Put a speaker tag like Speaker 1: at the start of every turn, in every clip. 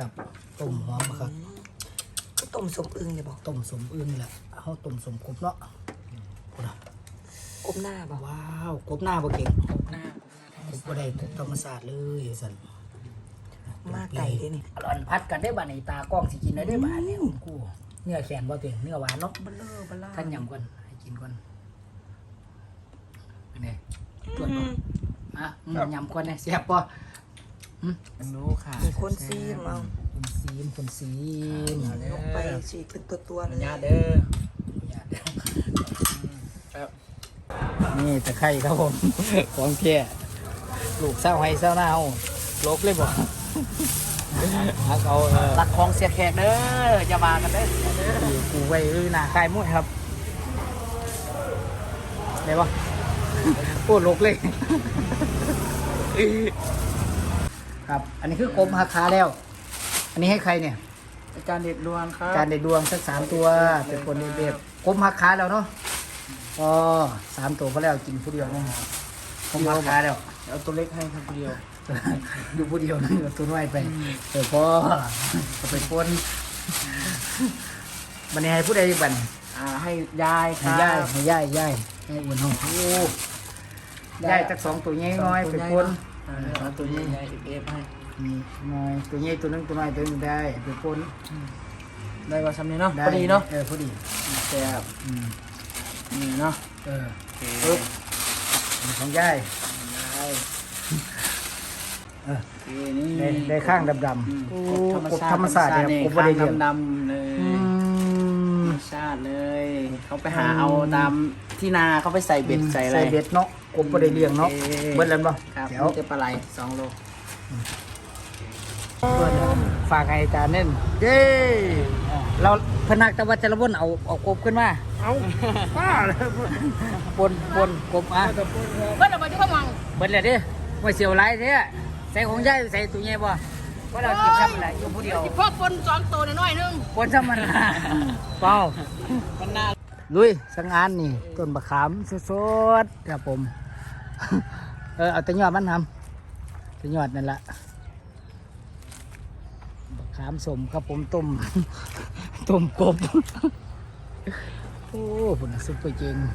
Speaker 1: ครับต้มหอมครับ
Speaker 2: ก็ต้มสมอึ่งเลยบอก
Speaker 1: ต้มสมอึ่งนี่แหละเขาต้มสมกบเนาะ
Speaker 2: กบหน้าบอก
Speaker 1: ว้าวกบหน้าบ่เก่ง
Speaker 2: หน้าก
Speaker 1: บบ่ได้กบธรรมศาสตร์เลยสัน
Speaker 2: มาไก่ด้วยนี่
Speaker 1: อร่อยพัดกันได้บ้านในตากล้องสิกินได้บ้านเนี่ยกูเนื้อแข็งบ่เต็งเนื้อหวานเนาะ
Speaker 2: เบลอเบลอ
Speaker 1: ท่านยำก่อนให้กินก่อนเป็นไงตรวจบ่อ่ะยำก่อนเนี่ยแซ่บป่ะ
Speaker 3: รู้ค่ะ
Speaker 2: มีคนซีมเอา
Speaker 1: คนซีม
Speaker 2: ลงไปฉีกเป็นตัวๆเลย
Speaker 3: ญาติเด้อ
Speaker 1: นี่ตะไคร้ครับผม ของแก่ลูกเศร้าให้เศร้าหน้าเอาโลกเลยบ่ฮักเอา
Speaker 3: ตักของเสียแขกเด้ออย่ามากันเด้อ
Speaker 1: กูไว้หน้าคายมวยครับได้ปะโอ้โลกเลย ครับอันนี้คือกลมหักขาแล้ว อันนี้ให้ใครเนี่ย
Speaker 3: อาจารย์เด็ดดวงครับ
Speaker 1: จานเด็ดดวงสัก3 ตัวเป็นคนเด็ดกลมหักขาแล้วเนาะก็3 ตัวพอแล้วกินผู้เดียวเนี่ยกลมหักขาแล้ว
Speaker 3: เอาตัวเล็กให้ครับเดียว
Speaker 1: อยู่ผู้เดียวนั่นตัวน้อยไปพอก็ไปปนมันนี้ให้ผู้ใดบัน
Speaker 3: ให้ยายค
Speaker 1: ให้
Speaker 3: รับ
Speaker 1: ย่ายให้อุ่นห้องโอ้ย่ายจาก2 ตัวใหญ่น้อยไปปน
Speaker 3: เอาตัวนี้ยายเอฟให้
Speaker 1: นี่น้อยตัวใหญ่ตัวนึงตัวน้อยตัวนึงได้ไปปน
Speaker 3: ได้ว่าซ้ำนี้เนาะ
Speaker 1: ได้
Speaker 3: พอดีเนาะ
Speaker 1: พอดี
Speaker 3: แซ่บ
Speaker 1: อืม
Speaker 3: นี่เนาะ
Speaker 1: ปึ๊บของย่าย
Speaker 3: ยาย นี่
Speaker 1: ได้ข้างดำๆโอ้กบธรรมศาสตร์เนี่ยกบ
Speaker 3: ข้า
Speaker 1: บ่ได้
Speaker 3: ง
Speaker 1: เลี้ยง
Speaker 3: ดำๆเลย
Speaker 1: อื
Speaker 3: ธร
Speaker 1: ม
Speaker 3: รมชาติเลย เขาไปหาเอาตามที่นาเขาไปใส่เบ็ดใส่อะไร
Speaker 1: ใส่เบ็ดเนาะกบบ่ได้เลี้ยงเนาะเบิดแล้วบ่
Speaker 3: ครับ
Speaker 1: เดี๋ยว
Speaker 3: นี่จะปลาไหล2 โล
Speaker 1: ฝากให้อาจารย์เน่นเย้เราพนักตะวันจะระวนเอากบขึ้นมาเอาป้าเลยปนกบอ่ะ
Speaker 2: เบิ้ลออกมาที่ข้างวัง
Speaker 1: เบิดเลยดิไม่เสียวไรเด้ใส่ของยายใส่ตัวใหญ่บ่ว่าเรากินซ้ำอะไรอยู่ผู้เดียว
Speaker 2: พ่อปน2 ตัวน้อยนึง
Speaker 1: ปนซ้ำมันเปล่า
Speaker 3: มันน่า
Speaker 1: ลุยสังงานนี่ต้นบะขามสดๆครับผม เอาแต่ยอดมันทำแต่ยอดนั่นแหละบะขามสมครับผมต้ม ต้มกบ โอ้ผมซุปเปอร์เจง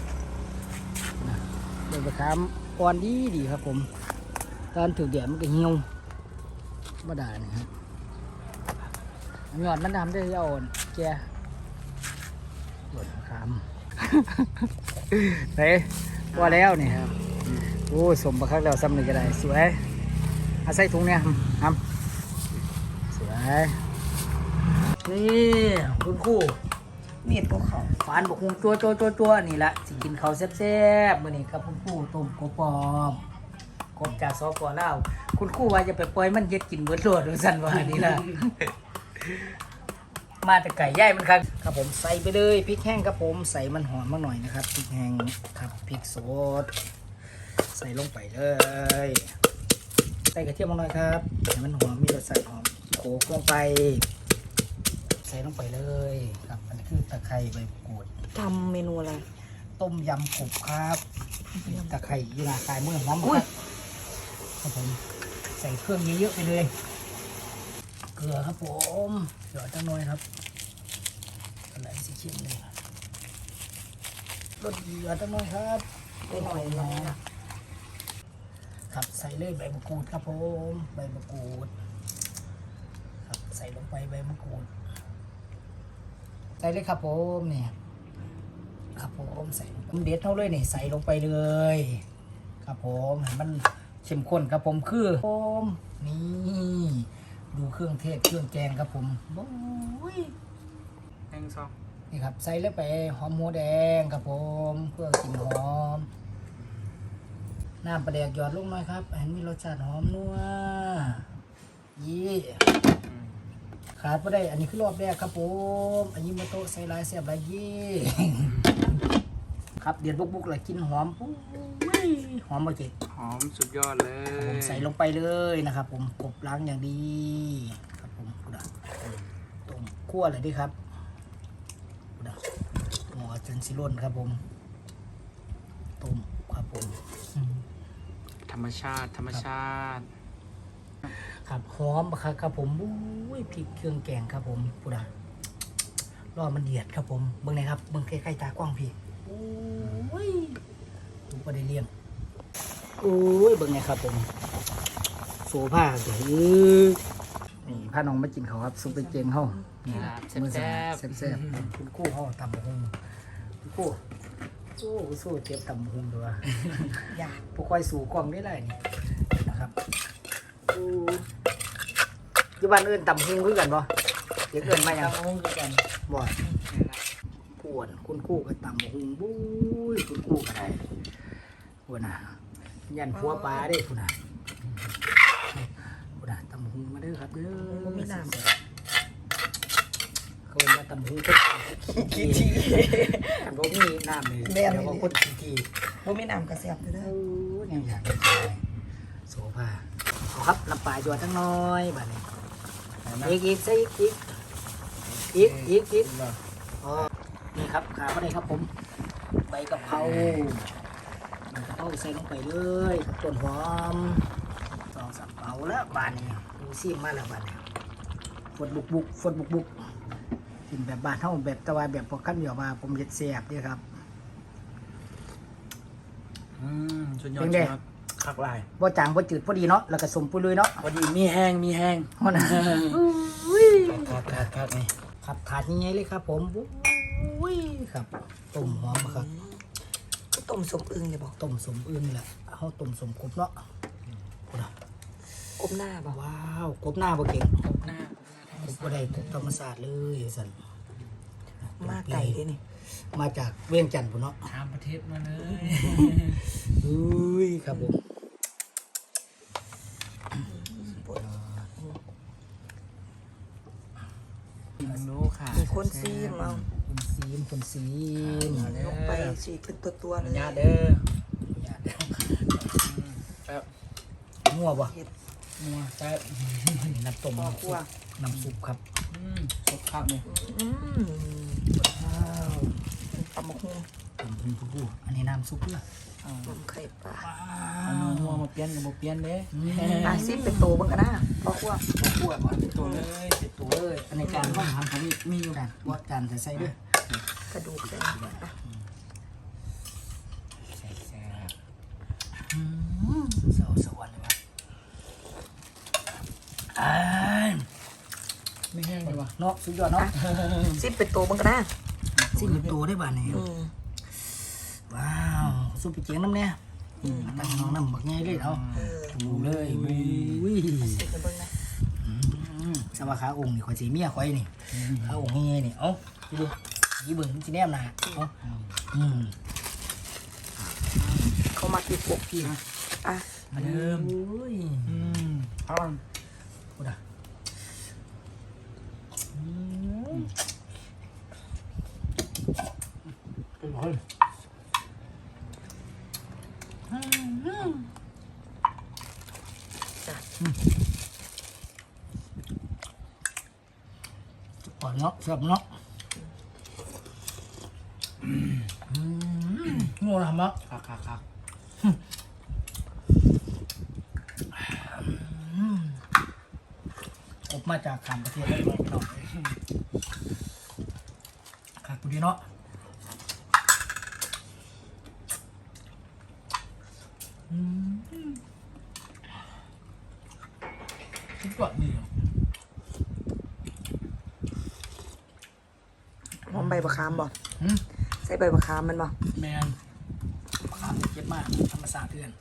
Speaker 1: ต้นบะขามอ่อนดีครับผมตอนถูกแดดมันก็เหี่ยวมาด่านี่ครับยอดมันทำได้อ่อนแก่ต้นบะขาม เฮ้ยว่าแล้วนี่ครับโอ้สมบักคักแล้วซ้ำหนึ่งก็ได้สวยเอาใส่ถุงเนี่ยครับสวยนี่คุณครู่
Speaker 2: เมียดของเขา
Speaker 1: ฝานบกฮุงตัวนี่ละสิกินข้าวแซ่บๆมื้อนี้ครับคุณครู่ต้มกบปอมกบจากสปลาวคุณครู่ว่าจะไปปล่อยมันเย็ดกินเบิดโลดว่าซั่นว่านี่ล่ะ มาแต่ไก่ย่ายมันครับผมใส่ไปเลยพริกแห้งครับผมใส่มันหอมมาหน่อยนะครับพริกแห้งครับพริกสดใส่ลงไปเลยใส่กระเทียมมาหน่อยครับให้มันหอมมีรสชาติหอมโขลกลงไปใส่ลงไปเลยครับอันนี้คือตะไคร้ใบมะกรูด
Speaker 2: ทำเมนูอะไร
Speaker 1: ต้มยำกบครับตะไคร้ยีราคายมือหอมครับผมใส่เครื่องเยอะๆไปเลยเกลือครับผมหยอดจังหน่อยครับอะไรสิเค็มเลยรสดีหยอดจังหน่อยครับ
Speaker 2: ไปหน่อยนะครับ
Speaker 1: ใส่เลยใบมะกรูดครับผมใบมะกรูดครับใส่ลงไปใบมะกรูดใส่เลยครับผมเนี่ยครับผมใส่ผมเด็ดเท่าเลยนี่ใส่ลงไปเลยครับผมให้มันเข้มข้นครับผมคือผมนี่ดูเครื่องเทศเครื่องแกงครับผมโอ้ย
Speaker 3: 1 2
Speaker 1: นี่ครับใส่เลยไปหอมหมูแดงครับผมเพื่อกลิ่นหอมน้ำปลาแดกหยอดลงหน่อยครับให้มีรสชาติหอมนัวยี่ขาดไม่ได้ อันนี้คือรอบแรกครับผมอันนี้มาโตะใส่ลายเสียบลายยี่ ครับเดือดบุกๆเลยกินหอมปุ้ยหอมมาเจ็ด
Speaker 3: หอมสุดยอดเล
Speaker 1: ผมใส่ลงไปเลยนะครับผมกบล้างอย่างดีครับผมกูดัต้มคั่วเลยดิครับกูดัหม้อจนสิร่นครับผมต้มครับผม
Speaker 3: ธรรมชาติ
Speaker 1: ครับหอมครับผมยพริกเครื่องแกงครับผมพูดอ่ะรอมันเดือดครับผมเบิ่งไหนครับเบิ่งใกล้ๆตากว้างพี่โอ้ยดูประเดี๋ยวเลี้ยงโอ้ยเบิ่งไงครับผมโซผ้าเดี๋ยวนี่พาน้องมากินเขาวครับซุปเปอร์เจงเขานี่มื้อแซ่บๆคุณกู้เขาตำบักหุ่งคุณกู้สู้เจ็บตำบักหุ่งด้วยอยากพวกค่อยสู่กล้องได้เลยนี่นะครับอยู่บ้านอื่นตำบักหุ่งคือกันบ่เด็กเอิ้นมาหยัง
Speaker 3: ตำหุ้งคือกัน
Speaker 1: บ่ปวนคุณกู้กับตำบักหุ่งบุ้ยคุณกู้ก็ได้ปวนน่ะยันผัวปลาเด้พุ่นน่ะพุ่นน่ะตำบักหุ่งมาเด้อครับเด้อ
Speaker 2: บ่มีน้ำ
Speaker 1: เขามาตำหูก็ขี้ทีกันบ่มีน้ำเลยเดี๋ยวก็คนขี้ที
Speaker 2: บ่มีน้ำกระแสบเด้อ
Speaker 1: ยังอยากกินโซฟาเอาครับน้ำปลาจวดทั้งน้อยบัดนี้อีกใส่อีกอ๋อนี่ครับขาเข้าได้ครับผมใบกะเพราใส่ลงไปเลยต้นหอม2-3เป๋าแล้วบานนี้ดูซิมมาแล้วบานนี้ฝนบุกกินแบบบ้านเฮาแบบตะวันแบบพวกขั้นเดียวมาผมเฮ็ดแซ่บเด้อครับ
Speaker 3: สุดยอดครับคักลาย
Speaker 1: บ่จางบ่จืดพอดีเนาะแล้วก็สมปุยลุยเนาะ
Speaker 3: พอดีมีแห้ง
Speaker 1: ฮอดนะ
Speaker 3: คักนี่
Speaker 1: ครับถาดใหญ่ๆเลยครับผมอุ้ยครับต้มหอมครับ
Speaker 2: ก็ต้มสมอึ่งเลยบ่
Speaker 1: ต้มสมอื่นนี่แหละเฮาต้มสมกบเนาะพุ่นน่ะ
Speaker 2: กบหน้าบ่
Speaker 1: ว้าวกบหน้าบ่เก่ง
Speaker 3: หน้าก
Speaker 1: บบ่ได้ธรรมศาสตร์เลยสั่น
Speaker 2: มาไก่เด้นี่
Speaker 1: มาจากเวียงจันทน์พุ่นเนาะ
Speaker 3: ตามประเทศมาเลย
Speaker 1: อุ้ยครับผม
Speaker 3: รู้ค่ะ
Speaker 2: มีคนซีมเอา
Speaker 1: คนซีม
Speaker 2: ลงไปฉีกเป็นตัวๆเลย
Speaker 3: ญาติเด้อ
Speaker 1: อย่าเด้อ
Speaker 3: แป๊บ
Speaker 1: งัวบ่
Speaker 2: เฮ็ด
Speaker 3: นัวแป๊บ
Speaker 1: น้ำต้ม
Speaker 2: พ่อครัว
Speaker 1: น้ำซุปครับ
Speaker 3: สดคักเลย
Speaker 2: อืม
Speaker 1: ว้าว
Speaker 2: ตำบักหุ่ง
Speaker 1: ผู้อันนี้น้ำซุปเพื่อ
Speaker 2: ต้มไข่ปลา
Speaker 3: เอานัวมาเปลี่ยนกับบ่เปลี่ยนเด้
Speaker 2: อาซิเป็นโตเบิ่งกันนะพ่อครัว
Speaker 1: คั่วก่อน
Speaker 3: ตัวเลยเสร็จตัว
Speaker 1: ตัวเลยอันนี้จานห้องทำผมมีอยู่จานว่าจานใส่ด้วย
Speaker 2: กระดูกใส่
Speaker 3: แซ่บ
Speaker 1: สวรรค์เลยวะอ้าย
Speaker 3: ไม่แห้งเลยวะ
Speaker 1: เนาะสุดยอดเนาะ
Speaker 2: ซิเป็นโตเบิ่งกันนะ
Speaker 1: สิ้นตัวได้บ้านนี่
Speaker 2: อืม
Speaker 1: ว้าวซุปไปเจียงน้ำเนี่ยตั้งน้องน้ำบักง่ายเลยเอา
Speaker 2: เออ
Speaker 1: ดูเลยอุ้ย
Speaker 2: ซิไปเบิ่งนะ
Speaker 1: สวัสดิ์ขาองค์นี่ข่อยสีเมียข่อยนี่ขาองค์ง่ายๆนี่เอ้าดูยี่เบิ่งมันสิแนมหนาเอ้า
Speaker 2: เขามาติดปกพี่อ่ะ
Speaker 3: มาเดิม
Speaker 1: อุ้ย
Speaker 3: เอา
Speaker 1: พูดอ่ะก่อนเนาะสับเนาะงัวทำมั้ง
Speaker 3: คัก
Speaker 1: อบมาจากต่างประเทศได้ไหมเนาะขาดกูดีเนาะคิดว่ามี
Speaker 2: หอมใบมะขามบ่ใส่ใบมะขามมันบ่
Speaker 1: แมนขามเจ็บมากธรรมศาสตร์เพื่อน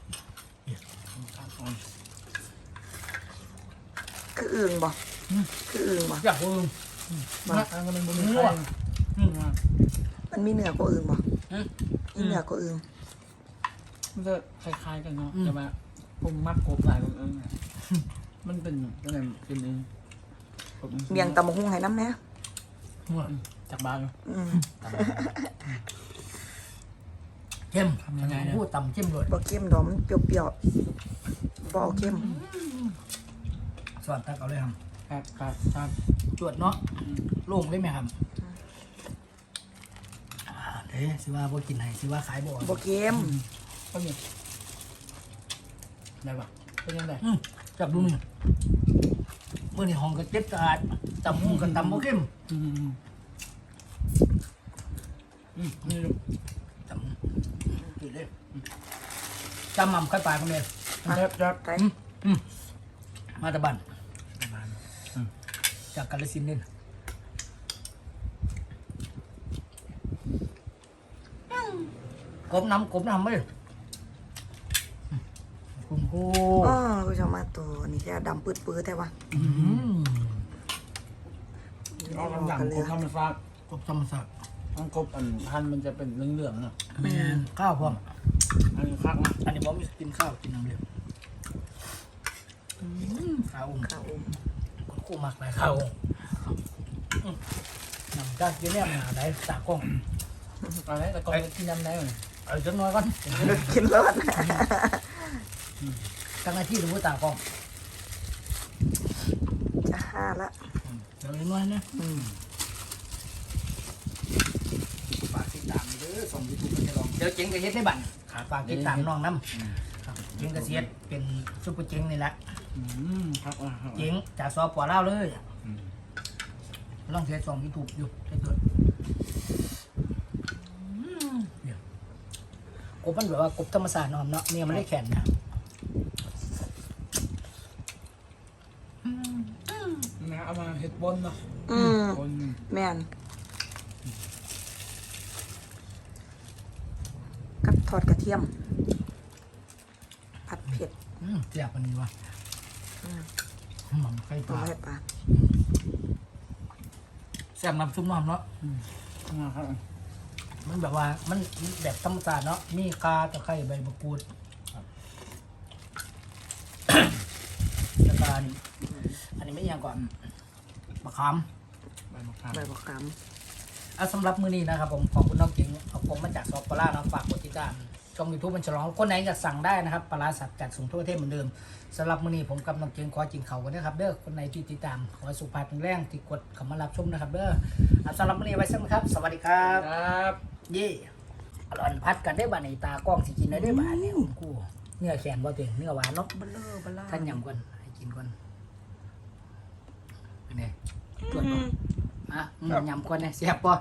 Speaker 2: คืออึ่งบ่คืออึ่งบ่
Speaker 1: อยากรู้
Speaker 3: มาตั้งกันเป็นบุญ
Speaker 1: งัว
Speaker 2: มันมีเนื้อก็อึ่งบ่มีเนื้อก็อึ่ง
Speaker 3: มันจะคล้ายๆกันเนาะแต่ว่าผมมักกบหลายกว่าเอิ้งอะมันเป็นอะไรเป็นเอง
Speaker 2: เมียงตำบักหุ่งให้น้ำแหน่
Speaker 1: งัว
Speaker 3: จากบ้าน
Speaker 2: อืม
Speaker 1: เข้มพูดต่ำเข้มเลย
Speaker 2: บ่เค็มดอกมันเปรี้ยวๆบ่เอาเค็ม
Speaker 1: สวัสดีตักเอาเลยครับ
Speaker 3: ครับ
Speaker 1: จวดเนาะโล่งได้ไหมครับเด้สิว่าบ่กินไหนสิว่าขายบ่
Speaker 2: บ่เค็ม
Speaker 3: ก็มีได้ปะเป็นยังไง
Speaker 1: จับดูนี่มื่อนี่ห้องก็เจ็บสะอาดตำหุ้งกับตำโมเข้ม
Speaker 3: นี่ลูก
Speaker 1: ตำกินเลยจำหม่ำค่อยปลายคนเดียว
Speaker 3: จับ
Speaker 2: ไก่
Speaker 1: มาตะบันจากกาฬสินธุ์นี่กบน้ำเลยคุณครู
Speaker 2: อ๋อผู้ชมมาตัวนี่แค่ดำปื้ดๆแต่ว่า
Speaker 3: เอาลำดังกบธรรมชาติ
Speaker 1: กบธรรมศาสตร์
Speaker 3: ทั้งกบอันพันมันจะเป็นเหลืองๆน่ะ
Speaker 1: แม่นข้าวพร้อม
Speaker 3: อันนี้คักนะ
Speaker 1: อันนี้ผมกินข้าวกินน้ำเดือดข้าว
Speaker 2: ข้าวอม
Speaker 1: คุณครูมักหลายข้าวน้ำจากเยอะแยะมาได้ตากล้อง
Speaker 3: อะไรแต่ก่อนกินน้ำได้เลย
Speaker 1: เอาจังน้อยก่อน
Speaker 2: กินรส
Speaker 1: ตั้งหน้าที่ดูตากล้อง
Speaker 2: จะห้าละ
Speaker 1: เดี๋ยวน้อยนะฝากติดตามเด้อส่งยูทูบกันจะลองเดี๋ยวเจ๋งกับเฮ็ดได้บั่นขาฝากติดตามน้องน้ำครับเจ๋งกับเสียดเป็นซุปเปอร์เจ๋งนี่แหละ
Speaker 3: คักอ่ะ
Speaker 1: เจ๋งจากซอปอเล่าวเลยลองเทสส่งยูทูบอยู่ได้เกิดกบมันแบบว่ากบธรรมศาสตร์นอมเนาะเนี่ยมันได้แข็งนะ
Speaker 3: นะเอามาเห็ดบนเนาะ บน
Speaker 2: แม่นกับทอดกระเทียม ผัดเผ็ด
Speaker 1: เสียบอันนี้วะหม่ำไข่ป
Speaker 2: ตัว
Speaker 1: ลา
Speaker 2: ให้ปลา
Speaker 1: แซ่บน้ำซุปน้ำเนาะ
Speaker 3: นะครับ
Speaker 1: มันแบบว่ามันแบบธรรมศาสตร์เนาะมีกาตะไคร้ใบมะกรูดแล้วก็อันนี้ไม่ยังก่อนมะขาม
Speaker 3: ใบมะขาม
Speaker 2: ใบบักขาม
Speaker 1: สำหรับมื้อนี้นะครับผมขอบคุณน้องเก๋งเอาผมมาจากซอปปลาเนาะฝากกดติดตามช่องยูทูบมันฉลองคนไหนอยากสั่งได้นะครับปลาร้าสับจัดส่งทั่วประเทศเหมือนเดิมสำหรับมื้อนี้ผมกับน้องเก๋งขอจินเขากันนะครับเด้อคนไหนที่ติดตามขอให้สุขภาพแข็งแรงที่กดเข้ามารับชมนะครับเด้อสำหรับมื้อนี้ไว้สักนะครับสวัสดีครับ
Speaker 3: ครับ
Speaker 1: เย่อร่อยพัดกันได้บ้านในตากล้องสิกินได้บ้านเนี่ยผมกูเนื้อแขนบ่เต็งเนื้อหวานเนาะ
Speaker 2: เบลอเบลา
Speaker 1: ท่านยำก่อนให้กินก่อนเป็นไงตรวจบ่ยำก่อนเนี่ยแซ่บบ่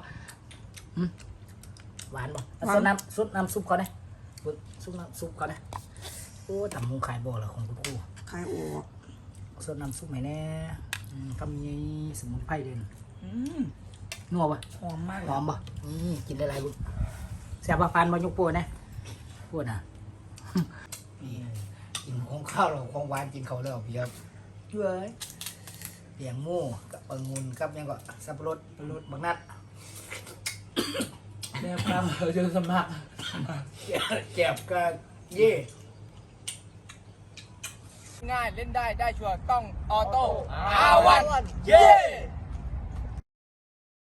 Speaker 1: หวานบ่ซุปน้ำซุปก่อนนะซุปน้ำซุปก่อนนะโอ้ทำมุงขายบ่เหรอของคุณครู
Speaker 2: ไข่โอ
Speaker 1: ซุปน้ำซุปไหนแน่ทำยังสมุนไพรเด่นนัวบ่
Speaker 2: หอมมาก
Speaker 1: หอมบ่กินได้หลายบุญแซ่บปานบ่ยกโป้นะพูดนะนี่กินของข้าวเราของหวานกินเขาแล้วเพียบเย้ยเปียงหมูกับองุ่นกับยังก็สับปะรดบางนัด
Speaker 3: แนวตั้งเจอสมัคร
Speaker 1: แก็บกับเย่
Speaker 3: ง่ายเล่นได้ชัวร์ต้องออโต้อาวันเย้